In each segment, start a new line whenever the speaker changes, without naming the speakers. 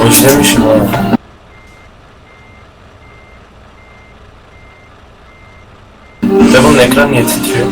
İşlemişim ha. Ve bunun ekran niye titriyor?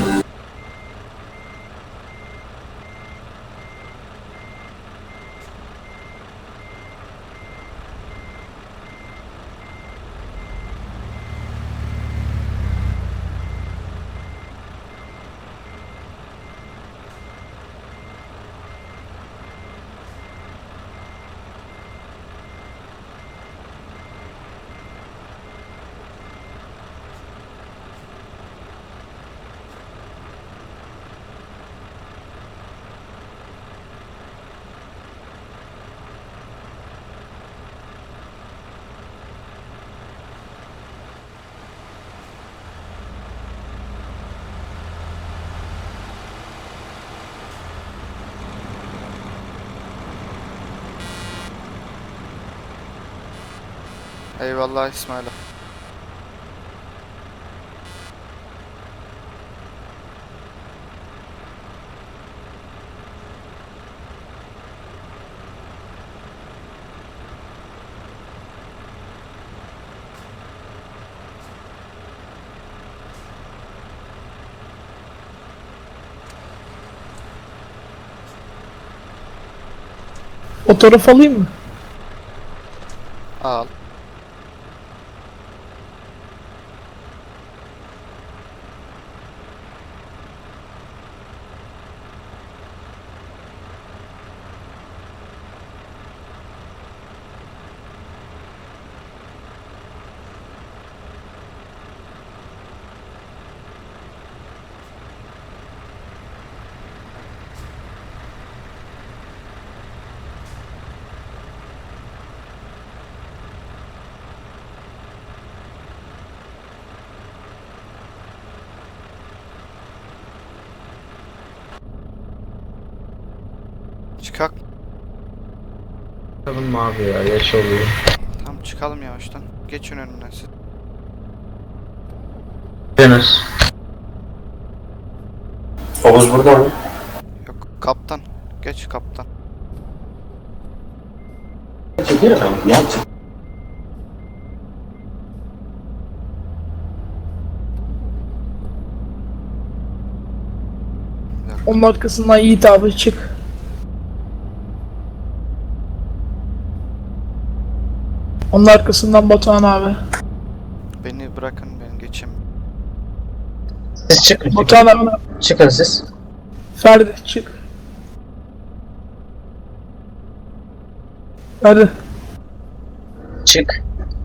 Eyvallah İsmail.
Fotoğraf alayım mı?
Al. Çıkak.
Bakalım abi ya, yaş oluyor.
Tamam çıkalım yavaştan. Geçin önümden siz.
Deniz.
Oğuz burada mı?
Yok kaptan. Geç kaptan.
Onun arkasından Yiğit abi çık. Onun arkasından Batuhan abi.
Beni bırakın ben geçeyim.
Siz çıkın.
Batuhan abi.
Çıkın siz.
Ferdi çık. Ferdi
Çık.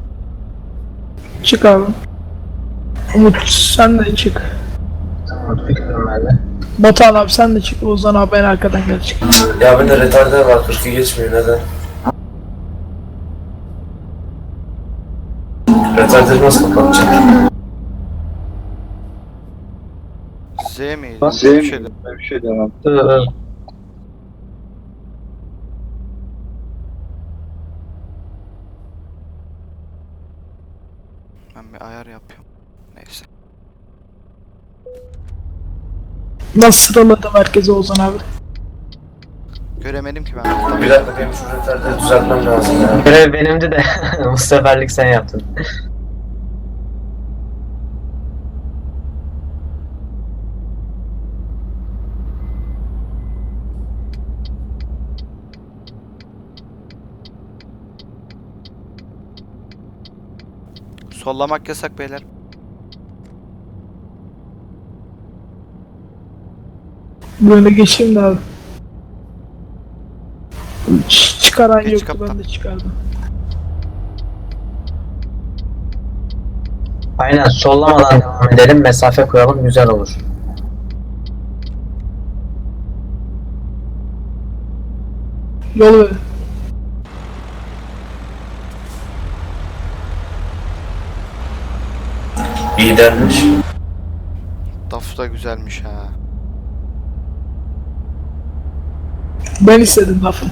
çık abi. Umut sen de çık.
Tamam, fikrim ben de.
Batuhan abi sen de çık. Ozan abi en arkadan gel çık.
Ya bende retarder var, 40'ı geçmiyor, neden? Retarderi nasıl kapatacağım?
Z miydi?
Z
Bir şey de-
Ben bir şey demem.
Ben bir ayar yapıyorum. Neyse.
Nasıl sıraladı merkeze Ozan abi?
Göremedim ki ben.
Bir dakika, benim şu retarderi düzeltmem lazım ya.
Görev benimdi de bu seferlik sen yaptın.
Sollamak yasak beyler.
Böyle geçeyim de abi. Çıkaran
Geç
yoktu
kaptan.
ben de çıkardım.
Aynen, sollamadan devam edelim, mesafe koyalım, güzel olur.
Yol ver.
İyi dermiş.
Daf da güzelmiş ha.
Ben istedim lafı.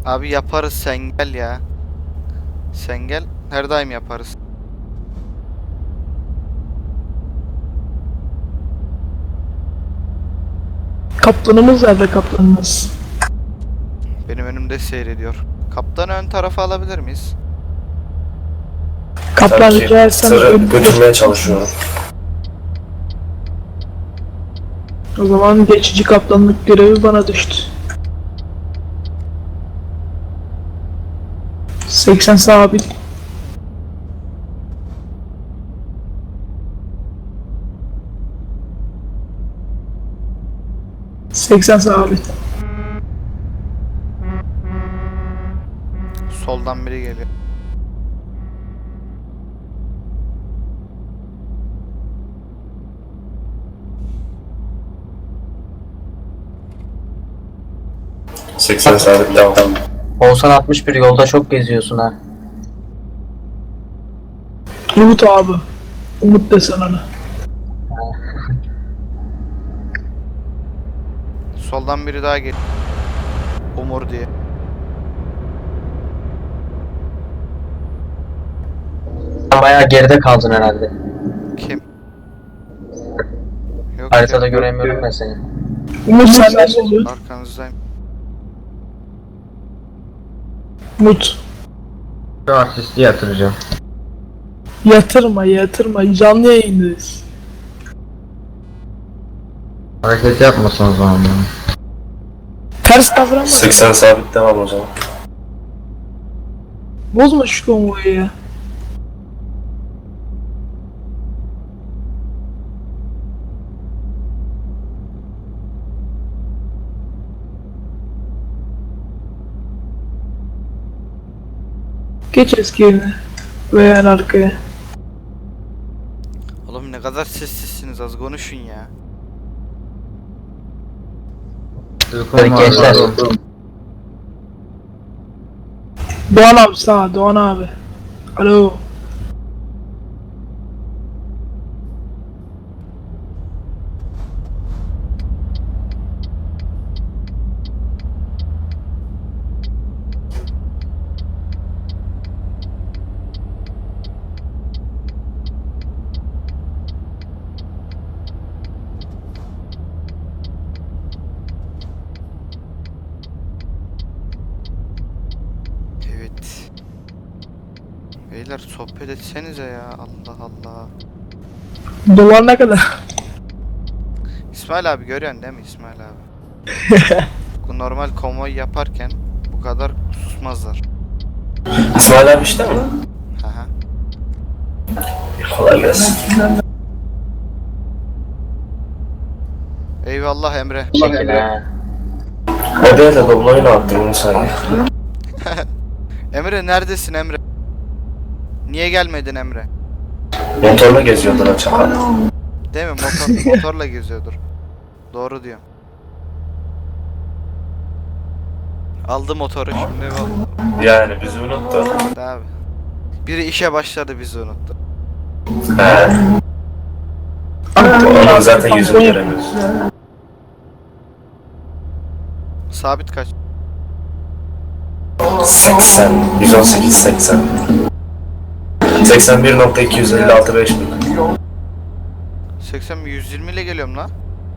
Abi yaparız, sen gel ya. Sen gel. Her daim yaparız.
Kaptanımız nerede kaptanımız?
Benim önümde seyrediyor. Kaptanı ön tarafa alabilir miyiz?
Kaptan
Tabii ki
rica etsem
tırı
önümüzde-
götürmeye çalışıyorum.
O zaman geçici kaptanlık görevi bana düştü. 80 sabit. ...80 sabit.
Soldan biri geliyor.
— 80 sabit devam.
Olsan 61 yolda çok geziyorsun ha.
Umut abi. Umut desen ona.
Soldan biri daha geliyor. Umur diye.
Sen bayağı geride kaldın herhalde.
Kim? Yok
Haritada
ya,
göremiyorum ben seni.
Umut sen nasıl oluyor?
arkanızdayım.
Umut.
Şu asisti yatıracağım.
Yatırma. Canlı yayındayız.
Hareket yapmasın o zaman bana.
Ters davranma.
80 sabit devam o zaman.
Bozma şu konvoyu ya. Geç eski yerine. Veya en arkaya.
Oğlum ne kadar sessizsiniz, az konuşun ya.
Uykum var
Gençler.
oğlum.
Doğan abi sağ, Doğan abi. Alo.
Evet. Beyler sohbet etsenize ya, Allah Allah.
Dolar ne kadar?
İsmail abi görüyorsun değil mi İsmail abi? Bu normal konvoy yaparken bu kadar susmazlar.
İsmail abi işte mi?
Haha.
Kolay gelsin.
Eyvallah Emre.
Şekil ha.
Odaya da dobloyu attım onu sayı.
Emre neredesin Emre? Niye gelmedin Emre?
Motorla geziyordur o çakal.
Değil mi? Motorla geziyordur. Doğru diyorum. Aldı motoru şimdi bak.
Yani bizi unuttu.
Abi. Biri işe başladı, bizi unuttu.
He. Onun zaten yüzünü göremiyoruz.
Sabit kaç?
80, 118, 80. 81.256 5000.
80 mi? 120 ile geliyorum lan.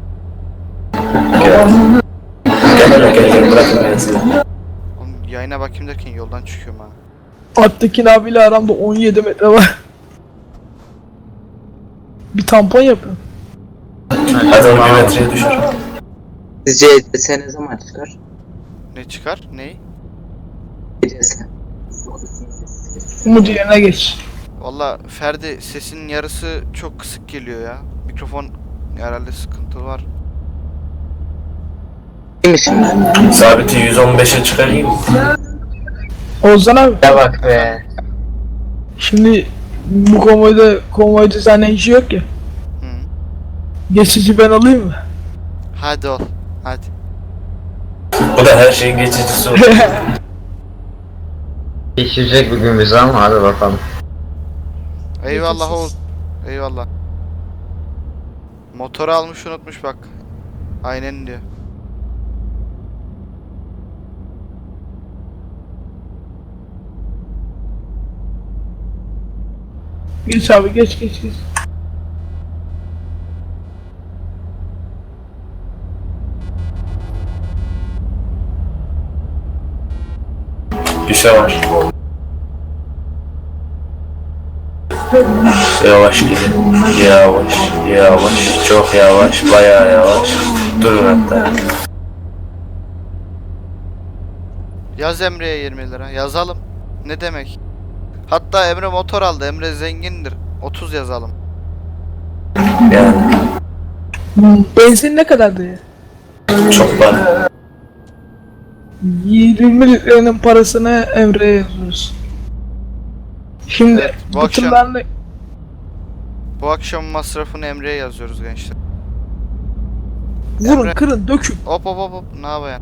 Gel. Gel bırakın ben seni.
Oğlum yayına bakayım derken yoldan çıkıyorum ha.
Attekin abiyle aramda 17 metre var. Bir tampon yapın.
Hadi onu geometriye düşür.
Sizce ECS ne zaman çıkar?
Ne çıkar? Ney?
ECS.
Umut yerine geç.
Valla Ferdi, sesinin yarısı çok kısık geliyor ya. Mikrofon herhalde sıkıntı var.
Değil mi şimdi?
Sabiti 115'e çıkarayım.
Ozan abi.
Ne bak be.
Şimdi bu konvoyda senden işi yok ya.
Hı.
Geçici ben alayım mı?
Hadi ol. Hadi.
Bu da her şeyin geçicisi olur.
Geçirecek bugün bizi ama hadi bakalım.
Eyvallah oğul. Eyvallah. Motoru almış unutmuş bak. Aynen diyor.
Geç abi geç geç geç.
Düşe var. Yavaş gidin. Yavaş, yavaş, çok yavaş, bayağı yavaş. Durun hatta.
Yaz Emre'ye 20 lira. Yazalım. Ne demek? Hatta Emre motor aldı. Emre zengindir. 30 yazalım.
Yani
Benzin ne kadardı ya?
çok var.
20 litrenin parasını Emre'ye yazıyoruz. Şimdi
Evet, bu
bu
akşam-
tırlarla
Bu akşam masrafını Emre'ye yazıyoruz gençler.
vurun
Emre-
kırın dökün.
Hop hop hop hop. Ne yapayım?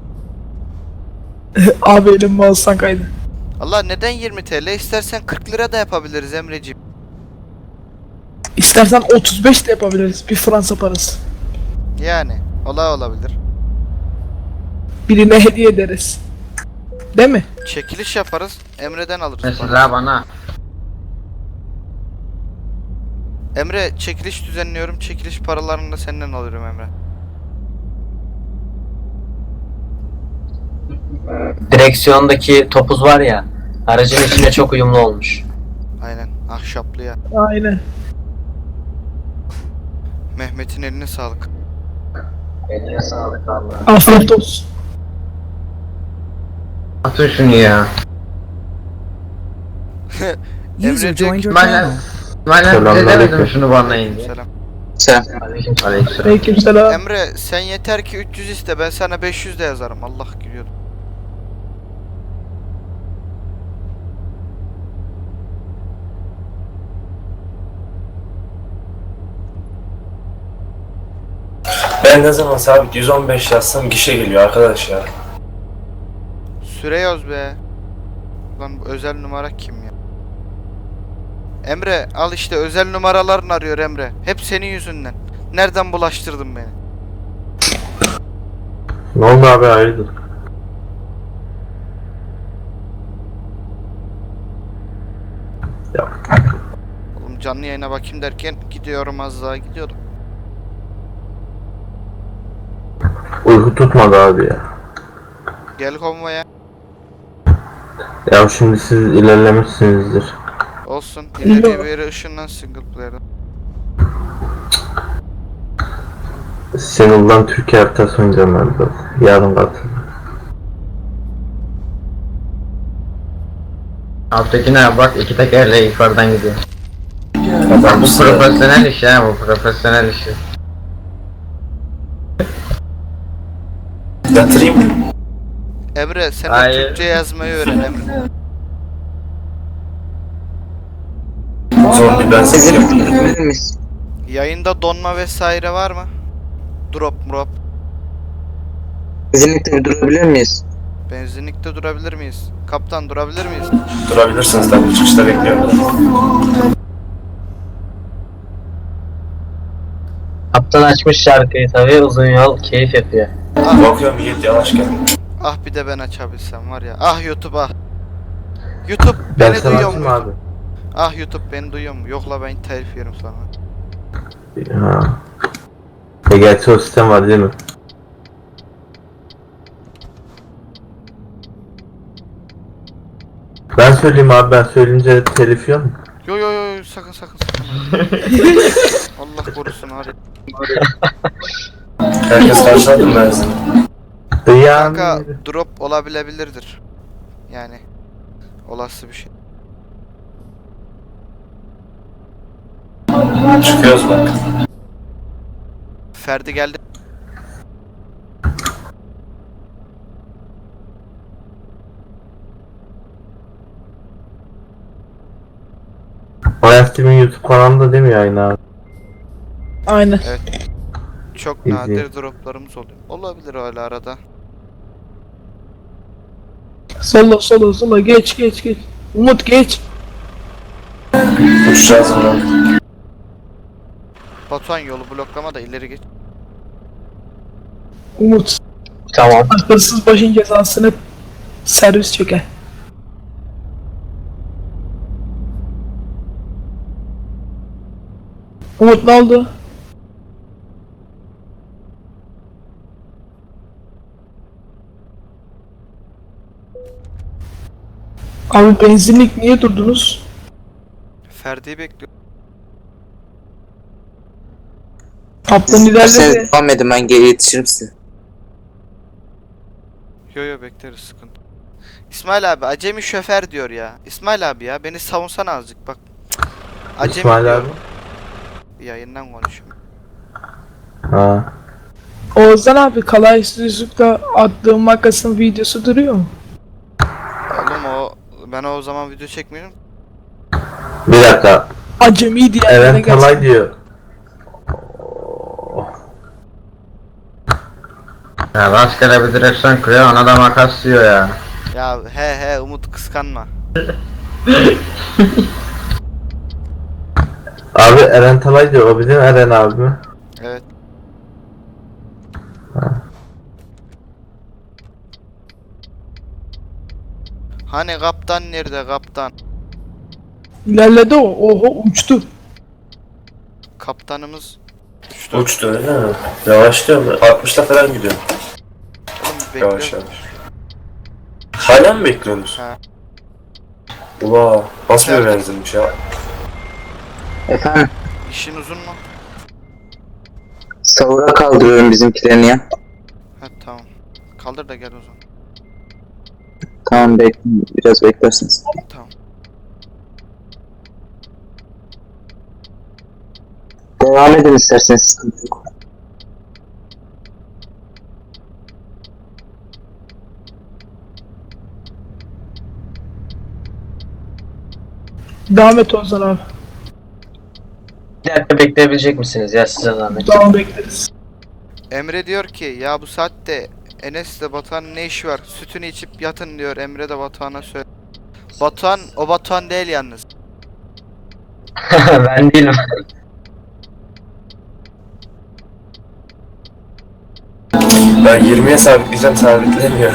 Abi elim mouse'dan kaydı.
Allah neden 20 TL? İstersen 40 lira da yapabiliriz Emreciğim.
İstersen 35 de yapabiliriz. Bir Fransa parası.
Yani olabilir.
Birine hediye ederiz. Değil mi?
Çekiliş yaparız. Emre'den alırız.
Mesela bana.
Emre çekiliş düzenliyorum. Çekiliş paralarını da senden alıyorum Emre.
Direksiyondaki topuz var ya, aracın içine çok uyumlu olmuş.
Aynen. Ahşaplı ya.
Aynen.
Mehmet'in eline sağlık.
Eline sağlık Allah.
Afiyet olsun.
Atın şunu ya.
Emre diyor ki,
Ben bize demedim şunu banlayın diye.
selam.
Sen.
Aleykümselam.
Aleykümselam.
Emre sen yeter ki 300 iste, ben sana 500 de yazarım. Allah gülüyordu.
Ben ne zaman sabit 115 yazsam gişe geliyor arkadaş ya.
Süre yaz be. Lan bu özel numara kim ya? Emre al işte, özel numaralarını arıyor Emre. Hep senin yüzünden. Nereden bulaştırdın beni?
Ne oldu abi hayırdır?
Oğlum canlı yayına bakayım derken gidiyorum, az daha gidiyordum.
Uyku tutmadı abi ya.
Gel konvoya.
Ya şimdi siz ilerlemişsinizdir.
Olsun. İleriye bir yere ışınlan single player'dan.
Single'dan Türkiye haritası oynayacağım ben de. Yarın katıl.
Alttakine bak, iki tekerle yukarıdan gidiyor.
Adam
Bu
sıra.
profesyonel iş ya, bu profesyonel iş.
Yatırayım mı?
Emre sen de
Hayır.
Türkçe yazmayı öğren Emre.
Zombi ben severim.
Bilir miyiz?
Yayında donma vesaire var mı? Drop.
Kesinlikle durabilir miyiz?
Benzinlikte durabilir miyiz? Kaptan durabilir miyiz?
Durabilirsiniz tabii, çıkışta bekliyorum.
Kaptan açmış şarkıyı tabii, uzun yol keyif yapıyor.
Bakıyorum Yiğit yavaş gel.
Ah bir de ben açabilsem var ya. Ah YouTube ah. YouTube
Ben
beni
sana
duyuyor
açayım
mu?
abi.
Ah YouTube beni duyuyor mu? Yok la, ben telif yerim sana.
Ha. Gerçi o sistem var değil mi? Ben söyleyeyim abi, ben söyleyince telif yiyor mu?
Yo sakın. Allah korusun hadi.
Herkes karşıladı mı ben seni?
Dıyam.
Kanka drop olabilebilirdir. Yani olası bir şey.
Çıkıyoruz bak.
Ferdi geldi.
Oyas TV'nin YouTube kanalında değil mi yayın abi?
Aynen.
Çok
İyi.
nadir droplarımız oluyor. Olabilir öyle arada.
Sola geç. Umut geç.
Uçacağız mı?
Batuhan yolu bloklama da ileri geç.
Umut.
Tamam.
Hırsız başın cezasını servis çeker. Umut ne oldu? Abi benzinlik niye durdunuz?
Ferdi'yi bekliyorum.
Kaptan ilerledi.
Sen devam edin, ben geri yetişirim size.
Yo bekleriz, sıkıntı. İsmail abi acemi şoför diyor ya. İsmail abi ya beni savunsana azıcık bak. Acemi
İsmail
diyor.
abi.
Yayından konuşuyorum.
Ha.
Oğuzhan abi Kalaysızlık'ta attığım makasın videosu duruyor mu?
Oğlum ben o zaman video çekmiyorum.
Bir dakika.
Acemi diyenlere
Eren Talay
gelsin.
diyor.
Ya rastgele bir direksiyon kuruyor, ona da makas diyor ya.
Ya he Umut kıskanma.
Abi Eren Talay diyor. O bizim Eren abi mi?
Evet. Hani kaptan nerede kaptan?
İlerledi o. Oho uçtu.
Kaptanımız
Uçtu öyle mi? Yavaşlıyor mu? 60'la falan gidiyor.
oğlum
Yavaş
bekliyor.
yavaş. Hala mı bekliyorsunuz?
Ha.
Ula nasıl bir benzinmiş ya?
Efendim,
İşin uzun mu?
savura kaldırıyorum bizimkilerini ya.
Ha tamam. Kaldır da gel o zaman.
Tamam, biraz beklersiniz.
Tamam.
Devam edin isterseniz, sıkıntı yok.
Devam et Oğuzhan abi.
Bir dakika bekleyebilecek misiniz ya, size zahmet?
Devam bekleriz.
Emre diyor ki ya bu saatte Enes'le Batuhan'ın ne işi var? Sütünü içip yatın diyor. Emre de Batuhan'a söyle. Batuhan o Batuhan değil yalnız.
Ben değilim.
Ben 20'ye sabitleyeceğim, sabitlemiyor.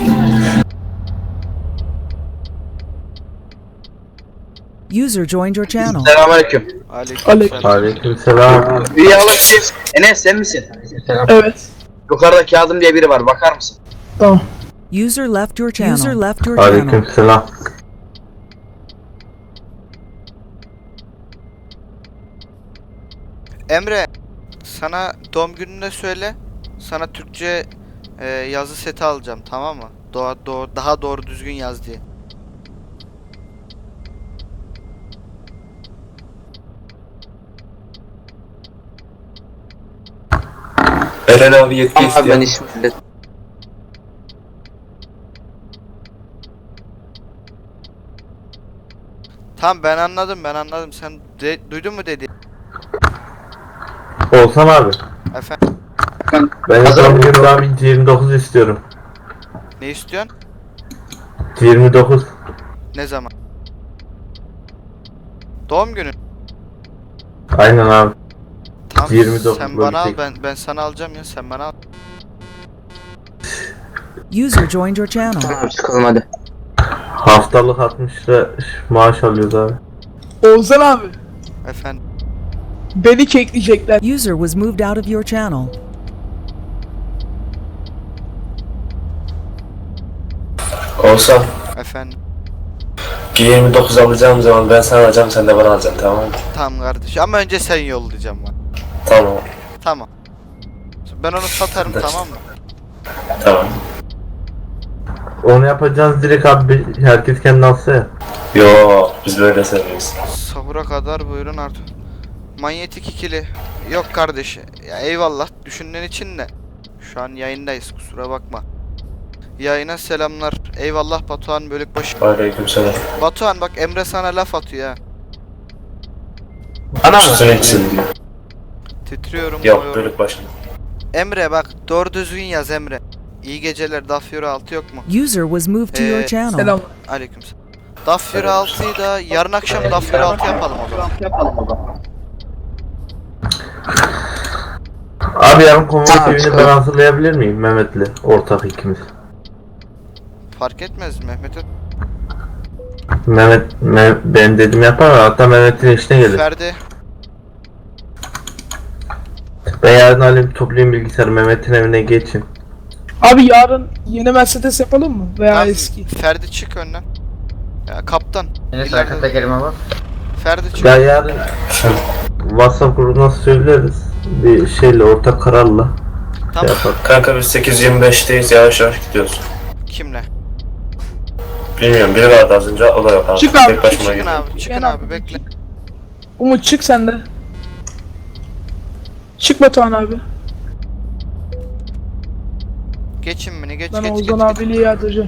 User joined your channel.
Selamünaleyküm.
Aleykümselam.
Aleykümselam.
Rüya kim? Enes sen misin?
Evet.
Yukarıda Kazım diye biri var, bakar mısın?
Tamam.
User left your channel. User left your channel.
Aleykümselam.
Emre sana doğum gününde söyle. Sana Türkçe yazı seti alacağım, tamam mı? Daha doğru düzgün yaz diye.
Eren abi yetki
Tamam abi, ben
istiyor.
işimi hallettim.
Tamam ben anladım. Sen duydun mu dedi?
Olsan abi.
Efendim
Ben son gün daha bir 29 istiyorum.
ne istiyorsun?
29.
Ne zaman? Doğum günün.
Aynen abi.
Tamam
29
sen bana al,
bölecek.
ben sana alacağım ya, sen bana al.
User joined your channel.
Tamam abi, çıkalım hadi.
Haftalık 60 lira maaş alıyoruz abi.
Oğuzhan abi.
Efendim
Beni kekleyecekler.
User was moved out of your channel.
Olsa
efendim.
G29 alacağım zaman ben sana alacağım, sen de bana alacaksın, tamam mı?
Tamam kardeş ama önce sen yollayacağım bana.
Tamam.
Tamam. Ben onu satarım, tamam mı?
Tamam.
Onu yapacağız direkt abi, herkes kendi alsa ya.
Yo biz böyle seviyoruz.
Sahura kadar buyurun artık. Manyetik ikili. Yok kardeş. Ya eyvallah düşündüğün için de. Şu an yayındayız, kusura bakma. Yayına selamlar. Eyvallah Batuhan Bölükbaşı.
Aleykümselam.
Batuhan bak Emre sana laf atıyor ha.
Bana mı?
Üstüne gitsin diyor.
Titriyorum.
Yok
boğuyorum.
bölük başında.
Emre bak doğru düzgün yaz Emre. İyi geceler, Dafyora 6 yok mu?
User was moved to your channel.
Selam.
Aleykümselam. Dafyora 6'yı da yarın akşam Dafyora 6 yapalım o zaman.
Abi yarın konvoy
Tamam,
TV'ni ben
çıkalım.
hazırlayabilir miyim Mehmet'le? Ortak ikimiz.
Fark etmez Mehmet'e.
Ben dedim yapar, hatta Mehmet'in işine gelir.
Ferdi.
Ben yarın alayım toplayayım bilgisayarı Mehmet'in evine geçeyim.
Abi yarın yeni Mercedes yapalım mı? Veya
Tamam,
eski.
Ferdi çık önden. Ya kaptan.
Enes
ileride-
arka tekerime bak.
Ferdi çık.
Ya yarın WhatsApp grubuna söyleriz. Bir şeyle ortak kararla
Tamam.
şey yaparız.
Kanka biz 8.25'teyiz, yavaş yavaş gidiyoruz.
Kimle?
Bilmiyorum, biri vardı az önce, o da yok abi.
Çık abi,
Tek başıma
Çıkın
gidiyorum.
abi, çıkın
Gel
abi,
abi.
bekle.
Umut çık sen de. Çık Batuhan abi.
Geçin beni, geç
Ben
geç
Ozan
geç.
abiyle yardıracağım.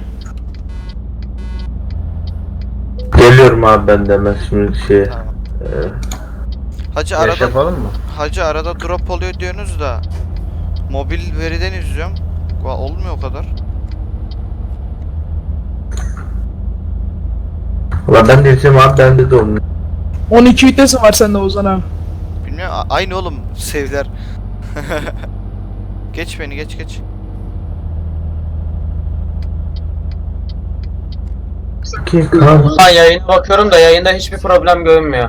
Geliyorum abi ben de hemen şimdi şeye.
Tamam. Hacı
Yarış
arada
yapalım mı?
Hacı arada drop oluyor diyorsunuz da mobil veriden izliyorum. Olmuyor o kadar.
Ulan ben de izleyeyim abi, bende de olmuyor.
12 vitesi var sende Ozan abi.
Bilmiyorum, aynı oğlum sevler. Geç beni, geç geç.
Ki kan.
Ulan yayına bakıyorum da yayında hiçbir problem görünmüyor.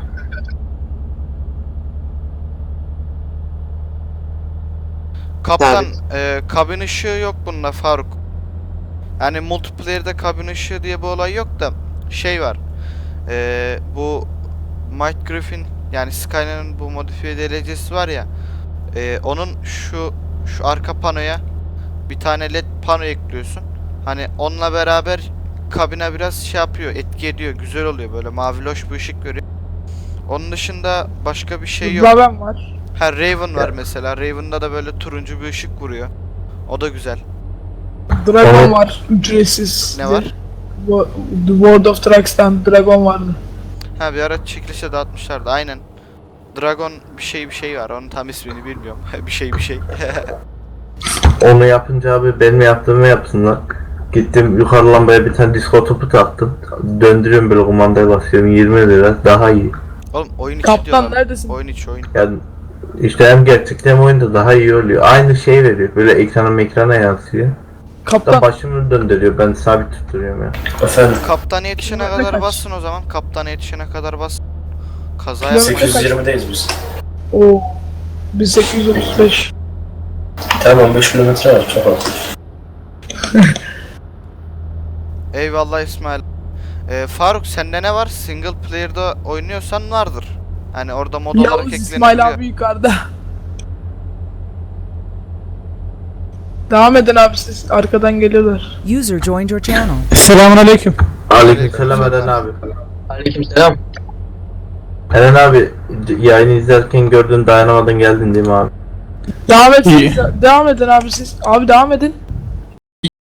Kaptan, kabin ışığı yok bunda Faruk. Yani multiplayer'de kabin ışığı diye bir olay yok da şey var. Bu Mike Griffin, yani Skyline'ın bu modifiye derecesi var ya. Onun şu arka panoya bir tane led pano ekliyorsun. Hani onunla beraber kabine biraz şey yapıyor, etki ediyor, güzel oluyor, böyle mavi loş bir ışık veriyor. Onun dışında başka bir şey yok.
Raven var.
Ha, Raven var mesela. Raven'da da böyle turuncu bir ışık vuruyor. O da güzel.
Dragon
Evet.
var. Ücretsiz.
Ne var?
The World of Trucks'tan Dragon vardı.
Ha, bir ara çekilişe dağıtmışlardı. Aynen. Dragon bir şey var. Onun tam ismini bilmiyorum. bir şey.
Onu yapınca abi benim yaptığımı yapsınlar. Gittim yukarı lambaya bir tane disco topu taktım. Döndürüyorum böyle, kumandaya basıyorum, 20 lira daha iyi.
Oğlum oyun içi
Kaptan
diyorlar.
neredesin?
Oyun içi oyun.
Yani işte hem gerçekten hem oyunda daha iyi oluyor. Aynı şey veriyor, böyle ekrana yansıyor. Da
Kaptan.
başımı döndürüyor, ben sabit tutturuyorum ya.
Efendim,
Kaptana yetişene
Kilometre
kadar
kaç?
bassın o zaman. Kaptana yetişene kadar bas. Kaza
Kilometre
yapma.
820'deyiz biz.
Oo. 1835.
Tamam, 5 kilometre var, çok az.
Eyvallah İsmail. Faruk, sende ne var? Single player'da oynuyorsan vardır. Hani orada mod olarak
Yavuz İsmail
eklenebiliyor.
abi yukarıda. Devam edin abi, siz arkadan geliyorlar.
User joined your channel.
Selamun aleyküm.
Aleykümselam Eren abi.
Aleykümselam.
Eren abi, yayını izlerken gördün, dayanamadın geldin değil mi abi?
Devam edin abi siz. Abi devam edin.